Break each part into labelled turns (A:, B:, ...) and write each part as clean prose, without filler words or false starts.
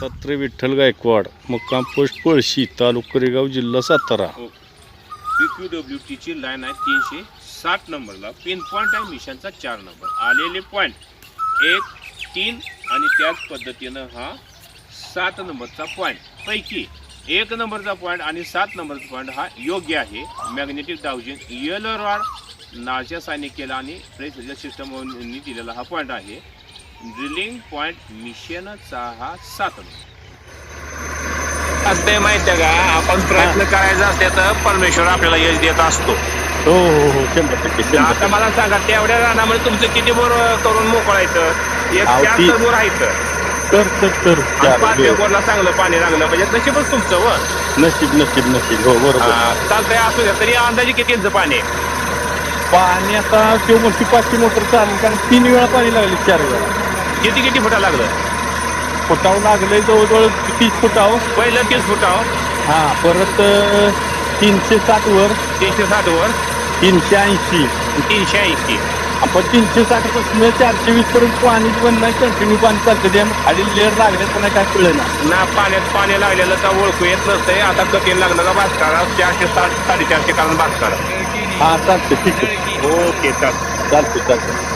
A: दत्तात्रय विठ्ठल गायकवाड, मुक्काम पोस्ट पळशी, तालुका कोरेगाव, जिल्हा सातारा.
B: PQWT ची लाईन आहे 360 नंबरला. पिन पॉईंट आहे मिशनचा 4 नंबर. आलेले पॉईंट 1, 3 आणि त्याच पद्धतीनं हा 7 नंबरचा पॉईंट पैकी 1 नंबरचा पॉईंट आणि 7 नंबरचा पॉईंट हा योग्य आहे. मॅग्नेटिक डाउजिंग येलो रॉड नाच्या सायनिक केला आणि प्रेस सिस्टमनी दिलेला हा पॉईंट आहे. ड्रिलिंग पॉईंट मिशनचा हा 7 नंबर असते. माहिती आहे का, आपण प्रयत्न करायचा असते तर परमेश्वर आपल्याला यश देत असतो.
A: हो हो हो 100%.
B: आता मला सांगा, तेवढ्या रानामध्ये तुमचं किती बोर करून मोकळायचं? एक 4 बोर आहे
A: तर
B: 5 बोरला चांगलं पाणी लागलं म्हणजे नशीबच तुमचं. व
A: नशीब हो बरोबर.
B: चालतंय, असू द्या. तरी अंदाजे किती इंच पाणी आहे?
A: पाणी आता किंवा मोठी 500 मोटर चालेल, कारण 3 वेळा पाणी लागले, 4 वेळा.
B: किती फुटा लागलं?
A: फुटावं लागलंय जवळजवळ 30 फुटावं.
B: पहिलं 30 फुटावं.
A: हा, परत 360 वर,
B: 360 वर,
A: 380,
B: 380.
A: आपण 360 पासून 420 पर्यंत पाणी पण नाही, कंटिन्यू पाणी चालतं. ते खाली लेअर लागले पण काय कळलं
B: ना पाण्यात पाणी लागलेलं का ओळखू येत नसतंय. आता कठीण लागलं का भास्करा 460 450 कारण भास्करा.
A: हा चालतं, ठीक आहे.
B: ओके,
A: चालतं.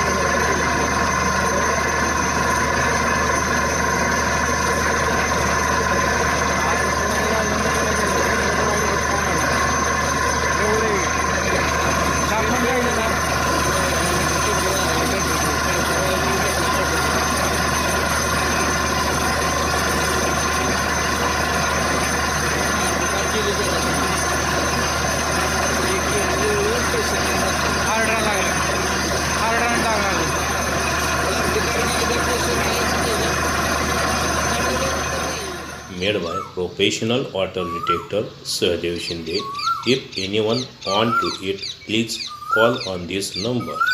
C: Made by professional water detector Sahadev Shinde. If anyone want to it, please call on this number.